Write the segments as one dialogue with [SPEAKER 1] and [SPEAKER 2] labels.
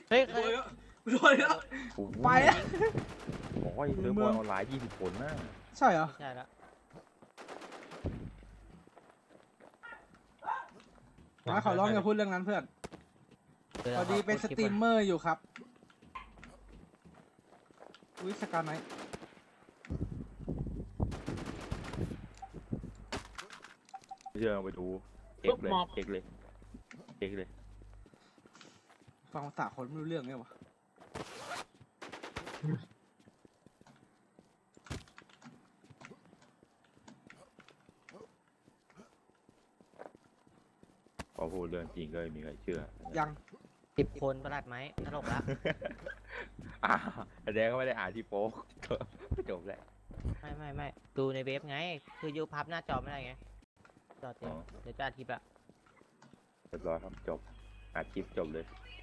[SPEAKER 1] เฮ้ย
[SPEAKER 2] โดนแล้วโดนแล้วไปอะ
[SPEAKER 3] บอกว่าเซิร์ฟบอลออนไลน์20 คนนะ
[SPEAKER 2] ใช่เหรอ
[SPEAKER 1] ใช่แล้ว
[SPEAKER 2] นะขอร้องอย่าพูดเรื่องนั้นเพื่อนพอดีเป็นสตรีมเมอร์อยู่ครับวิสการไหน
[SPEAKER 3] เชื่อไปดูเช็คเลยเช็คเลยเช็คเลย
[SPEAKER 2] ฟังภาษาคนไม่รู้เรื่องไงวะ
[SPEAKER 3] พอพูดเรื่องจริงก็ไม่มีใครเชื่อ
[SPEAKER 2] ยัง
[SPEAKER 1] 10 คนประหลัดไหมตลกละ
[SPEAKER 3] แสดงก็ไม่ได้อ่านที่โป๊กจบแล้ว
[SPEAKER 1] ไม่ดูในเว็บไงคือยูพับหน้าจอไม่ได้ไงจอเต็มเดี๋ยวจะอาทิตย์ละ
[SPEAKER 3] เรียบร้อยครับจบอัดคลิปจบเลย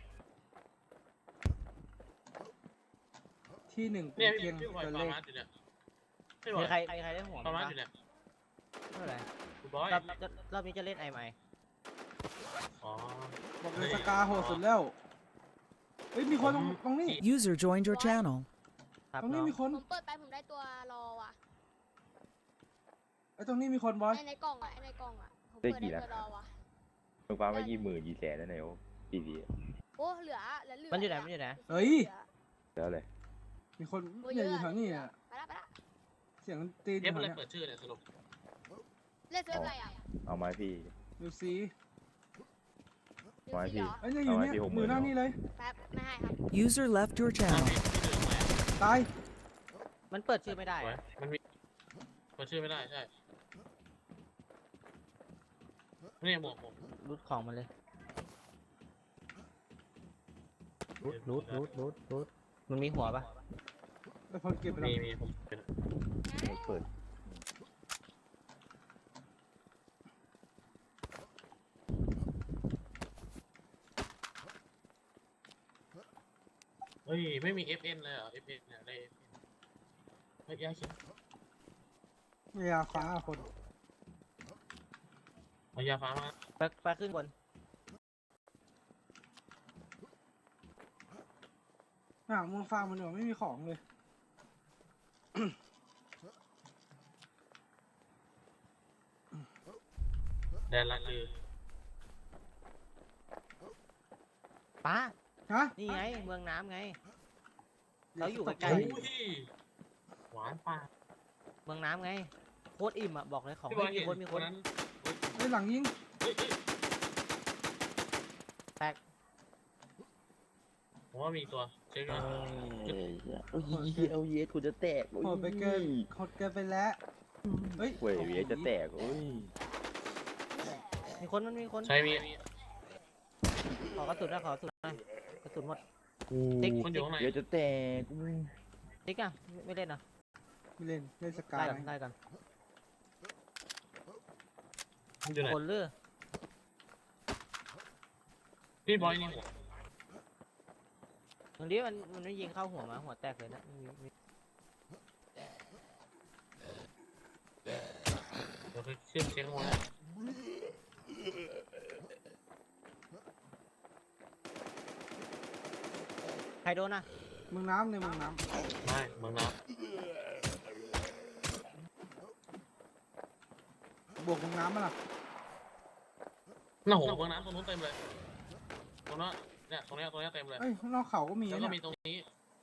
[SPEAKER 2] ที่หนึ่ง
[SPEAKER 4] เนี่ย
[SPEAKER 2] เพียง
[SPEAKER 4] พี่บอย
[SPEAKER 2] ตัว
[SPEAKER 4] ฟา
[SPEAKER 2] เล
[SPEAKER 4] ร์
[SPEAKER 2] ข
[SPEAKER 4] มาสอยู่เนี่ยพี่บอ
[SPEAKER 1] มี
[SPEAKER 4] ย
[SPEAKER 1] ใครได้หัว
[SPEAKER 4] ฟาร์มา
[SPEAKER 1] มั้
[SPEAKER 4] ส
[SPEAKER 1] ย
[SPEAKER 4] อยู่เนี่ย
[SPEAKER 1] เมื่อไหร่
[SPEAKER 4] คุณบอย
[SPEAKER 1] รอบนี้จะเล่นไอไหม
[SPEAKER 4] อ๋อ
[SPEAKER 2] บอกเลยสกาโหดสุดแล้วเฮ้ยมีคนตรงนี้
[SPEAKER 5] User joined your channel.
[SPEAKER 1] ครับ
[SPEAKER 2] ตรงนี้
[SPEAKER 1] น้อง
[SPEAKER 2] มีคน
[SPEAKER 6] ผมเปิดไปผมได้ตัวรอว่ะ
[SPEAKER 2] ไอ้ตรงนี้มีคนบอย
[SPEAKER 6] ในกล่องอ่ะในกล่องอ่ะผม
[SPEAKER 3] ได้
[SPEAKER 6] เปิด
[SPEAKER 3] กี่
[SPEAKER 6] ได้
[SPEAKER 3] ละ
[SPEAKER 6] ตัวรอว่ะ
[SPEAKER 3] มึงฟ้าไม่20,000กี่แสนนั่นเองทีวี
[SPEAKER 6] โอ้เหลือเหลือ
[SPEAKER 1] มันอยู่ไหนมันอยู่ไหน
[SPEAKER 2] เฮ้ย
[SPEAKER 3] แล้วเลย
[SPEAKER 2] มีคนเนี่ยอยู่แถวนี้อ่ะ
[SPEAKER 6] ไปละไปละ
[SPEAKER 2] เสียงตีนอ
[SPEAKER 4] เอยู่ ฟ
[SPEAKER 2] แถว
[SPEAKER 4] อะไร
[SPEAKER 2] เนี้ย
[SPEAKER 4] เปิดชื่อเนี่ยสรุป
[SPEAKER 6] เล่นเซิร์ฟอะไรอ่ะ
[SPEAKER 3] เอาไม้พี่
[SPEAKER 2] ดูซี
[SPEAKER 6] นิว
[SPEAKER 3] ไว้
[SPEAKER 6] ซี
[SPEAKER 3] พี่
[SPEAKER 6] เหรอ
[SPEAKER 2] เอ้ยเนี่ยอยู่เนี่ย
[SPEAKER 3] เอาไว้ที่
[SPEAKER 2] อยู่หน้า
[SPEAKER 3] 60,000
[SPEAKER 2] นี่เลย
[SPEAKER 6] แป๊บไม่ให้ครับ
[SPEAKER 5] User left your
[SPEAKER 4] อ่ะ
[SPEAKER 5] channel.
[SPEAKER 4] พี่เหลืองไหม
[SPEAKER 2] ตาย
[SPEAKER 1] มันเปิดชื่อไม่ได้
[SPEAKER 4] สวยมันมีเปิดชื่อไม่ได้ใช่นี่หมวกผม
[SPEAKER 1] รูดของมันเลยรูดมันมีหัวปะ
[SPEAKER 2] ไอ้คนเก็บไปแล้ว
[SPEAKER 4] มีผมเป็น
[SPEAKER 3] ไม่เปิด
[SPEAKER 4] เฮ้ยไม่มี FN เลยเหรอ FN เนี่ยได้ FN เฮ้ยย้ายเขียน
[SPEAKER 2] เวลาฟ้าคน
[SPEAKER 4] เอายาฟ้ามา
[SPEAKER 1] ไปขึ้นบน
[SPEAKER 2] อ่ะมึงฟ้ามันเหนือไม่มีของเลย
[SPEAKER 4] แดนละคือ
[SPEAKER 1] ป้า
[SPEAKER 2] ฮะ
[SPEAKER 1] นี่ไงเมืองน้ำไง เราอยู่ใกล้
[SPEAKER 4] โอ้ยหวานปาก
[SPEAKER 1] เมืองน้ำไงโคตรอิ่มอ่ะบอกเลยของ
[SPEAKER 4] พี่บอย
[SPEAKER 1] ไม่มี
[SPEAKER 4] เห็น
[SPEAKER 1] คนมีคน
[SPEAKER 4] นั้น
[SPEAKER 2] ไอ้ยหลังยิง
[SPEAKER 4] เฮ้ย
[SPEAKER 1] แตก
[SPEAKER 4] ผมว่ามีตัวเช็คก่อน
[SPEAKER 3] เอาเยสกูจะแตก
[SPEAKER 2] โหดไปเกินโหดเกินไปแล้วเฮ้ย
[SPEAKER 3] เว้ยเวียจะแตกโอ้ย
[SPEAKER 1] มีคนมันมีคน
[SPEAKER 4] ใช่มี
[SPEAKER 1] ขอกระสุนนะขอกระสุนหน่อยกระสุนหมด
[SPEAKER 4] มันอยู่ข้างใน
[SPEAKER 3] เวียจะแตก
[SPEAKER 1] ติ๊กอ่ะไม่เล่นอ่ะ
[SPEAKER 2] ไม่เล่นเล่นสกา
[SPEAKER 1] ไล่
[SPEAKER 2] ย
[SPEAKER 1] กันไล่กัน
[SPEAKER 4] มันอยู่ไหน
[SPEAKER 1] คนเลือ
[SPEAKER 4] พี่บอยนี่หัว
[SPEAKER 1] ตรงนี้มันไม่ยิงเข้าหัวมาหัวแตกเลยนะมี
[SPEAKER 4] เดี๋ยวไปขึ้นเช็คข้างบนนะ
[SPEAKER 1] ใครโดนอ่ะ
[SPEAKER 2] เมืองน้ำในเมืองน้
[SPEAKER 4] ไม่เมืองน้
[SPEAKER 2] ำบวกเมืองน้ำมาล่ะ
[SPEAKER 4] ำน่าโหเมืองน้ำตรงนู้นเต็มเลย ตรงนั้นเนี่ยตรงเนี้ยเต็มเลย
[SPEAKER 2] เอ้ยข้างนอกเขาก็มี
[SPEAKER 4] แล้วก็
[SPEAKER 2] นะ
[SPEAKER 4] มีตรงนี้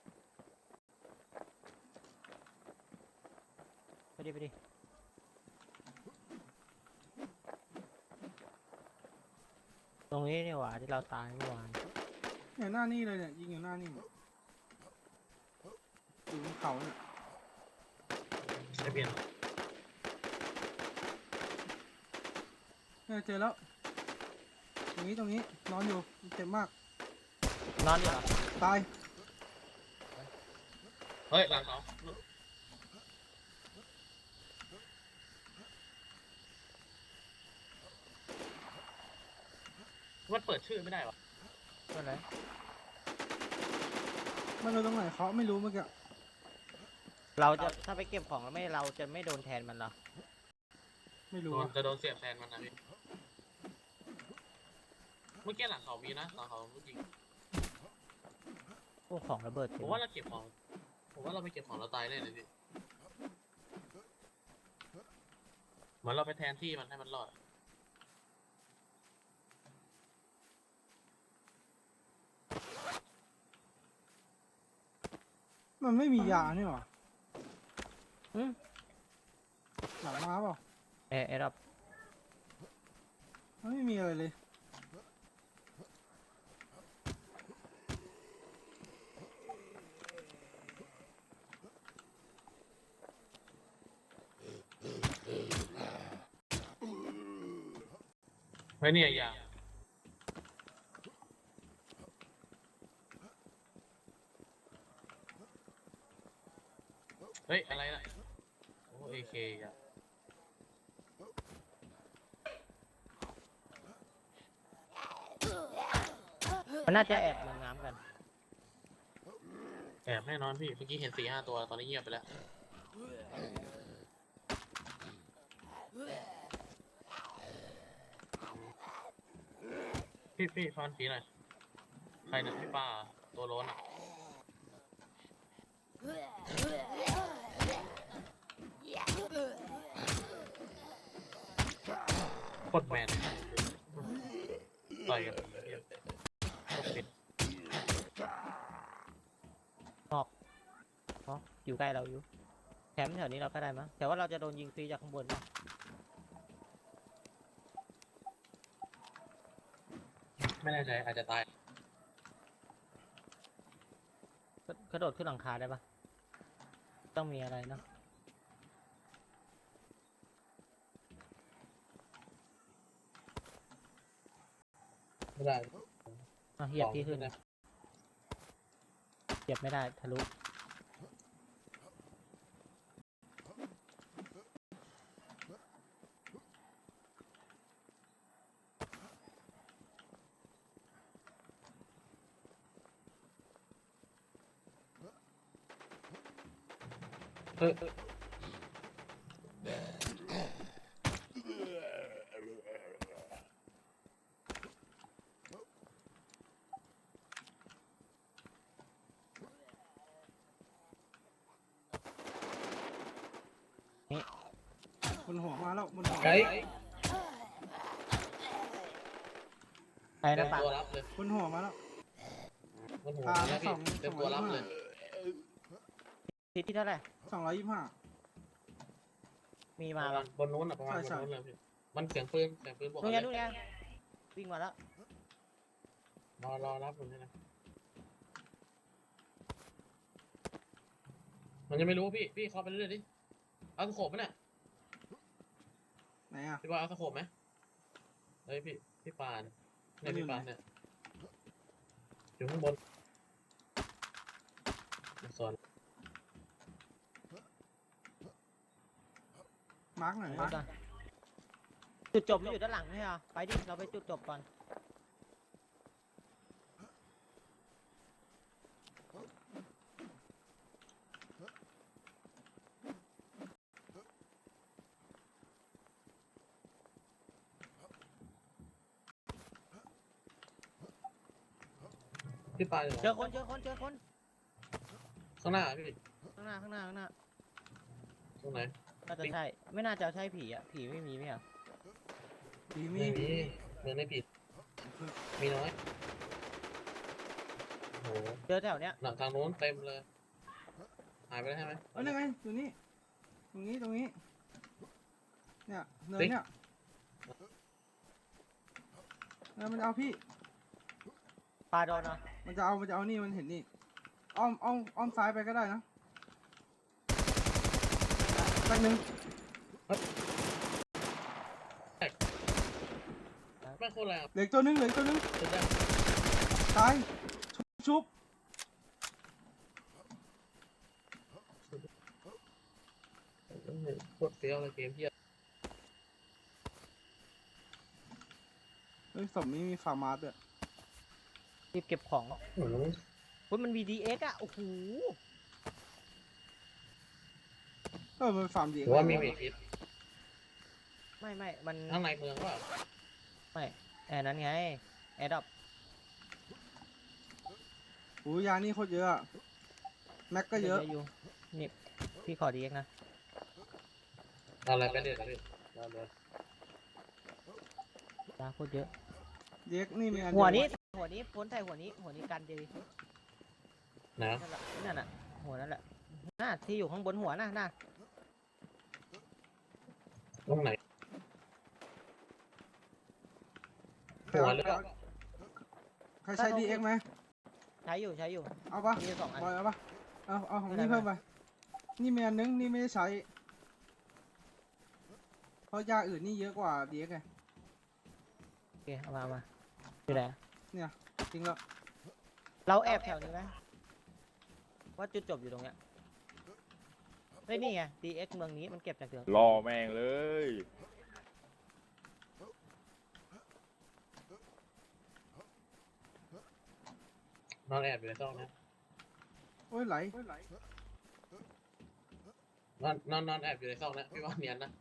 [SPEAKER 1] ไปดิตรงนี้นี่หว่าที่เราตายเมื่อวาน
[SPEAKER 2] เนี่ยหน้านี่เลยเนี่ยยิงอยู่หน้านี่อยู่บนเขาเนี่ย
[SPEAKER 4] ใช้เปลี่ยน
[SPEAKER 2] เนี่ยเจอแล้วตรงนี้นอนอยู่เจ็บมาก
[SPEAKER 1] นอนอยู่เหรอ
[SPEAKER 2] ตาย
[SPEAKER 4] เฮ้ยหลังเขามันเปิดชื่อไม่ได้หรอ
[SPEAKER 1] เมื่อไหร่
[SPEAKER 2] มันเลยตรงไหนเขาไม่รู้เมื่อกี้
[SPEAKER 1] เราจะถ้าไปเก็บของแล้วไม่เราจะไม่โดนแทนมันเหรอ
[SPEAKER 2] ไม่รู้
[SPEAKER 4] จะโดนเสียบแทนมันนะพี่เมื่อกี้หลังเขามีนะหลังเขาจริง
[SPEAKER 1] อ้ของระเบิด
[SPEAKER 4] ผมว่าเราเก็บของผมว่าเราไปเก็บของเราตายแน่เลยพี่เหมือนเราไปแทนที่มันให้มันรอด
[SPEAKER 2] มันไม่มียานี่หรอ
[SPEAKER 1] อืม
[SPEAKER 2] หลังมาเปล่า
[SPEAKER 1] แอร์ดับ
[SPEAKER 2] มันไม่มีอะไรเลย
[SPEAKER 4] ไม่เนี่ยยาเฮ้ยอะไรนะโอ้เอเคอะ
[SPEAKER 1] มันน่าจะแอบลงน้ำกัน
[SPEAKER 4] แอบแน่นอนพี่เมื่อกี้เห็น4-5ตัวตอนนี้เงียบไปแล้วพี่ฟันผีหน่อยใครเนี่ยพี่ป้าตัวโล้นอ่ะโคตรแมนต่อยกับผีเหี้ยโคตรปิด
[SPEAKER 1] อ๋ออยู่ใกล้เราอยู่แถมแถวนี้เราก็ได้มั้งแต่ว่าเราจะโดนยิงฟรีจากข้างบนนะ
[SPEAKER 4] ไม่แน่ใจอาจจะตาย
[SPEAKER 1] กระโดดขึ้นหลังคาได้ปะต้องมีอะไรเนาะ
[SPEAKER 4] ไม่ได้
[SPEAKER 1] เหยียบที่ขึ้น
[SPEAKER 4] นะ
[SPEAKER 1] เหยียบไม่ได้ทะลุ
[SPEAKER 2] บนหัวมาแล้วบนหัว
[SPEAKER 4] ไกด์
[SPEAKER 1] ไอ้
[SPEAKER 4] เต็
[SPEAKER 1] นะ
[SPEAKER 4] ม
[SPEAKER 1] ปะ
[SPEAKER 4] ตัวรับเลย
[SPEAKER 2] บนหัวมาแล้ว
[SPEAKER 4] มันหัวนะพี่เต็มตัวรับเลย
[SPEAKER 1] ทิศที่เท่าไหร่
[SPEAKER 2] 225
[SPEAKER 1] มี
[SPEAKER 4] ป
[SPEAKER 1] มา
[SPEAKER 4] ระมา
[SPEAKER 1] ปะ
[SPEAKER 4] ณบนนู้นอ่ะประมาณบน
[SPEAKER 2] ใช่
[SPEAKER 4] นู้นเลยพี่มันเสียงปืนบวก
[SPEAKER 1] นู่
[SPEAKER 4] กัน น
[SPEAKER 1] ไง
[SPEAKER 4] เลย
[SPEAKER 1] นู่นไงวิ่งมาแล้ว
[SPEAKER 4] รอรับผมนี่นะมันยังไม่รู้พี่เคาะไปเรื่อยๆดิเอาสโคปไหมเนี่ย
[SPEAKER 2] ไหนอ่ะ
[SPEAKER 4] พี่บอยเอาสโคปไหมเฮ้ยพี่ปานเนี่ยพี่ปานเนี่ยอยู่ข้างบนส่วน
[SPEAKER 2] มาร์กหน่อย
[SPEAKER 1] รถอะจุดจบมันอยู่ด้านหลังใช่ไหมไปดิเราไปจุดจบก่อน
[SPEAKER 4] พี่ปานอยู่
[SPEAKER 1] เจอคน
[SPEAKER 4] ข้างหน้าพี่
[SPEAKER 1] ข้างหน้า
[SPEAKER 4] ตรงไหน
[SPEAKER 1] น่าจะใช่ไม่น่าจะใช่ผีอ่ะผีไม่มีไหมอ่ะ
[SPEAKER 2] ดีมี
[SPEAKER 4] ไม่มีเมืองไม่ผิดมีน้อยโอ้โห
[SPEAKER 1] เจอแถวเนี้ย
[SPEAKER 4] หนังทางโน้นเต็มเลยหายไปแล้วใช่ไหม
[SPEAKER 2] เอ้ยนั่นไงอยู่นี่ตรงนี้เนี่ยเนินเนี่ยมันจะเอาพี่
[SPEAKER 1] ปลาโดนเนาะ
[SPEAKER 2] มันจะเอานี่มันเห็นนี่อ้อมซ้ายไปก็ได้นะสักหนึ่ง
[SPEAKER 4] ไม่โคตรแรง
[SPEAKER 2] เหลืออกตัวหนึง
[SPEAKER 4] สุดแรง
[SPEAKER 2] ตายชุบ
[SPEAKER 4] โคตรเฟี้ยวเลยเกมเพี้ย
[SPEAKER 2] เฮ้ยศพนี้มีฟาร์มาร์ด้วย
[SPEAKER 1] รีบเก็บของ
[SPEAKER 4] โอ้โห
[SPEAKER 1] เฮ้ยมัน VDX อ่ะโอ้โห
[SPEAKER 2] มันฟาร์มดี
[SPEAKER 4] หรือว่ามีเวทิส
[SPEAKER 1] ไม่มัน
[SPEAKER 4] ข้างในเมืองว่า
[SPEAKER 1] ไม่แอร์นั้นไงแอร์ดับ
[SPEAKER 2] โอ้ยยานี่โคตรเยอะอะแม็กก็เยอะ
[SPEAKER 1] อยู่นี่พี่ขอดีเอ็กนะ
[SPEAKER 4] เอาอะไรไปเด็ดนะพี่เอาเลย
[SPEAKER 1] ยาโคตรเยอะ
[SPEAKER 2] เด็กนี่มีอัน
[SPEAKER 1] หัว
[SPEAKER 2] เดีย
[SPEAKER 1] นี้หัวนี้พ้นใส่หัวนี้กันดี
[SPEAKER 4] นะ
[SPEAKER 1] นั่นน่ะหัวนั่นแหละน่าที่อยู่ข้างบนหัวน่ะ
[SPEAKER 4] ตรงไหนหัวหรือเปล่า
[SPEAKER 2] ใครใช้ดีเอ็กไหม
[SPEAKER 1] ใช้อยู่
[SPEAKER 2] เอาปะ
[SPEAKER 1] มีอยู่2 อัน
[SPEAKER 2] บอยเอาปะเอาของ
[SPEAKER 1] ไม่ได้
[SPEAKER 2] นี่เพิ่มไปนี่มีอันนึงนี่ไม่ได้ใช้เพราะยาอื่นนี่เยอะกว่าดีเอ็กไง
[SPEAKER 1] โอเคเอามาอยู่ไหน
[SPEAKER 2] เนี่ยจริงแล้ว
[SPEAKER 1] เราแอบแถวนี้ไหมว่าจุดจบอยู่ตรงเนี้ยเฮ้ยนี่ไง DX เมืองนี้มันเก็บจากเดือน
[SPEAKER 3] รอแม่งเลย
[SPEAKER 4] นอนแอบอยู่ในซอกนะ
[SPEAKER 2] โอ้ยไหล
[SPEAKER 4] นอนแอบอยู่ในซอกนะพี่ว่าเนียนนะ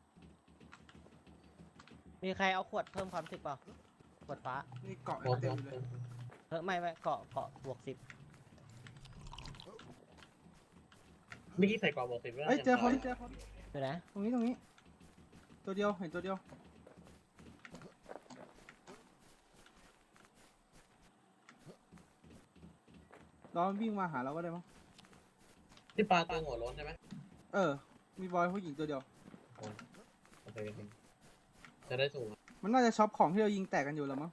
[SPEAKER 1] มีใครเอาขวดเพิ่มความรู้สึกเปล่าขวดฟ้า
[SPEAKER 2] นี่เกาะ
[SPEAKER 4] ผม
[SPEAKER 2] เต็มอยู่เลย
[SPEAKER 1] ไม่เกาะบวก 10
[SPEAKER 4] เมื่อกี้ใส่กรอบบอกสิบแล้ว
[SPEAKER 2] เอ้ยเจอคน
[SPEAKER 1] อยู่ไหน
[SPEAKER 2] ตรงนี้ตัวเดียวเห็นตัวเดียวรอมันวิ่งมาหาเราก็ได้มั้ง
[SPEAKER 4] ที่ปลาตัวหัวโล้นใช่ไหม
[SPEAKER 2] มีบอยผู้หญิงตัวเดียว
[SPEAKER 4] โอเคจะได้สูง
[SPEAKER 2] มันน่าจะช็อปของที่เรายิงแตกกันอยู่แล้วมั้ง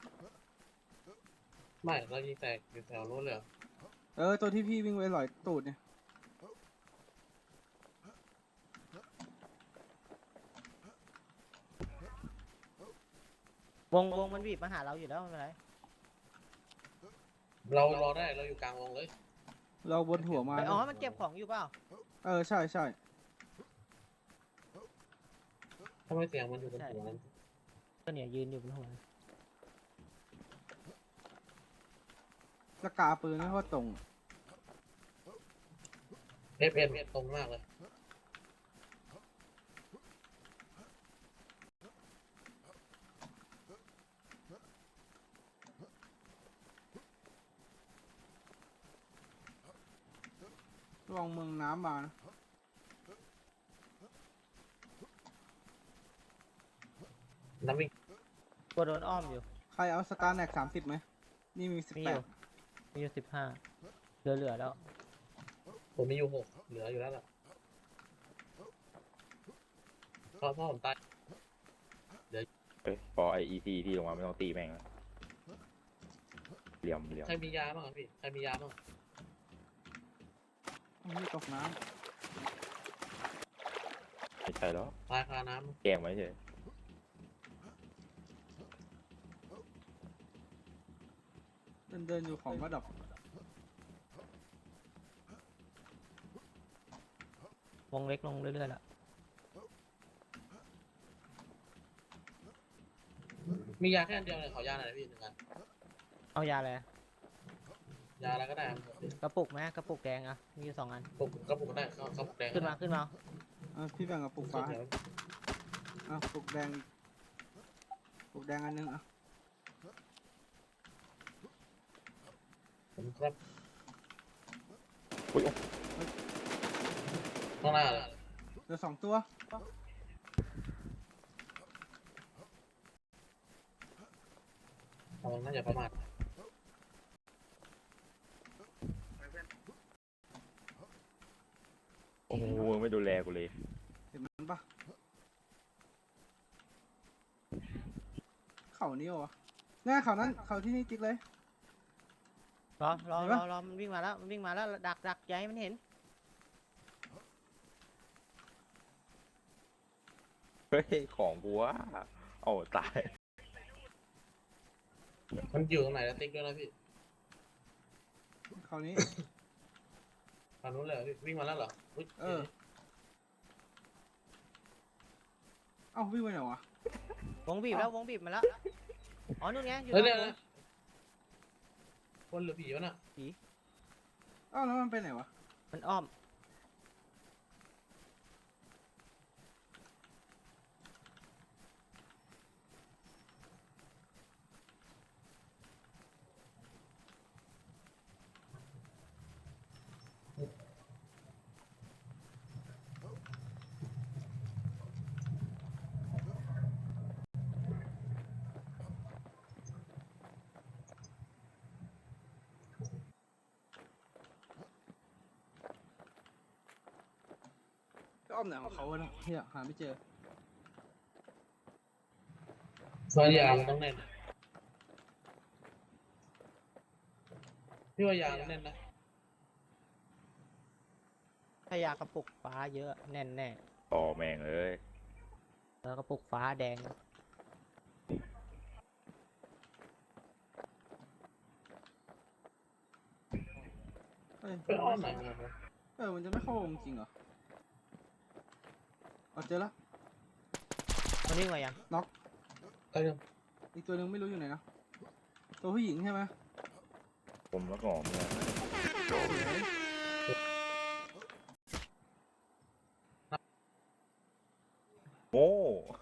[SPEAKER 4] ไม่เรายิงแตกอยู่แถวโน้นเลย
[SPEAKER 2] ตัวที่พี่วิ่งไปหลอยตูดเนี่ย
[SPEAKER 1] วงมันบีบมาหาเราอยู่แล้วไม่เป็นไร
[SPEAKER 4] เรารอได้เราอยู่กลางวงเลย
[SPEAKER 2] เราบนหัวมา
[SPEAKER 1] อ๋อมันเก็บของอยู่เปล่า
[SPEAKER 2] ใช่
[SPEAKER 4] ทำไมเสียงมันอยู่บนหัวนั้น
[SPEAKER 1] ก็เนี่ยยืนอยู่บนหัว
[SPEAKER 2] สกาปืนไม่ว่าตรง
[SPEAKER 4] FM ตรงมากเลย
[SPEAKER 2] ระวังเมืองน้ำมานะ
[SPEAKER 4] น้ำวิ่ง
[SPEAKER 1] ตัวโดนอ้อมอยู่
[SPEAKER 2] ใครเอาสตาร์แน็ก30ไหมนี่มี
[SPEAKER 1] มีอยู่
[SPEAKER 2] 18
[SPEAKER 1] มีอยู่15เหลือแล้ว
[SPEAKER 4] ผมมีอยู่6เหลืออยู่แล้วล่ะเพราะผมตาย
[SPEAKER 3] พอไอECที่ลงมาไม่ต้องตีแม่งแล้วเหลี่ยม
[SPEAKER 4] ใครมียาบ้างพี่ใครมียาบ้าง
[SPEAKER 2] นี่ตกน้
[SPEAKER 3] ไม่ใช่แล้ว
[SPEAKER 4] ตายคาน้
[SPEAKER 3] แกล้งไว้เฉยว
[SPEAKER 2] เดินอยู่ของก็ดอก
[SPEAKER 1] วงเล็กลงเรื่อยๆแล้ว
[SPEAKER 4] ำมียาแค่อันเดียวเลยขอยาหน่อยนะพี่1 อัน
[SPEAKER 1] เอายาอะไร
[SPEAKER 4] ยาอะไรก็ได้ครับ
[SPEAKER 1] กระปุกไหมกระปุกแดงอ่ะมีอยู่2 อัน
[SPEAKER 4] กระปุกก็ได้เขาปุกแดง
[SPEAKER 1] ขึ้นมา
[SPEAKER 2] พี่แบ่งกับปุกฟ้าให้ปุกแดงอันนึง
[SPEAKER 4] ผมครับ
[SPEAKER 3] อุ้ย
[SPEAKER 4] ข้างหน้าเลย
[SPEAKER 2] เหลือ2 ตัว
[SPEAKER 4] น่าจะประมาท
[SPEAKER 3] โอ้โหมึงไม่ดูแลกูเลย
[SPEAKER 2] เห็นมันปะเขานี้เหรอวะเนี่ยเขานั้นเขาที่นี่จิ๊กเลย
[SPEAKER 1] รอ
[SPEAKER 2] เห็นปะ
[SPEAKER 1] มันวิ่งมาแล้วดักอย่าให้มันเห็น
[SPEAKER 3] เฮ้ยของกูวะเอาตาย
[SPEAKER 4] มันอยู่ตรงไหนแล้วติ๊กด้วยนะพี่
[SPEAKER 2] เขานี้
[SPEAKER 4] ฝั่งนู้นเลยเหรอพี่วิ่งมาแล้วเหรออุ๊ย
[SPEAKER 2] เอ้าวิ่งไปไหนวะ
[SPEAKER 1] วงบีบมาแล้วอ๋อนู่นไงอยู่
[SPEAKER 4] เฮ้ย
[SPEAKER 1] ตร
[SPEAKER 4] เนี่
[SPEAKER 1] ง
[SPEAKER 4] ย
[SPEAKER 1] นู้น
[SPEAKER 4] คนหรือผีวะน่ะ
[SPEAKER 2] เอ้าแล้วมันไปไหนวะ
[SPEAKER 1] มันอ้อม
[SPEAKER 2] อ้อมไหนของเขาวะเนี่ยเฮียหาไม่เจอ
[SPEAKER 4] ซอยยางมันต้องแน่นพี่ว่ายางมันแน่นนะ
[SPEAKER 1] ถ้ายากระปุกฟ้าเยอะแน่นแน่
[SPEAKER 3] ต่อแม่งเอ้ย
[SPEAKER 1] แล้วกระปุกฟ้าแดง
[SPEAKER 2] เฮ้ย
[SPEAKER 4] ไปอ้อมไหนมา
[SPEAKER 2] มันจะไม่เข้าวงจริงเหรอเอาเจอแล้ว
[SPEAKER 1] มันวิ่งมายัง
[SPEAKER 4] เอ้ย
[SPEAKER 2] อีกตัวหนึงไม่รู้อยู่ไหนนะตัวผู้หญิงใช่ไหม
[SPEAKER 3] ผมแล้วก็ออกเนี่ย
[SPEAKER 2] สวย
[SPEAKER 3] โง่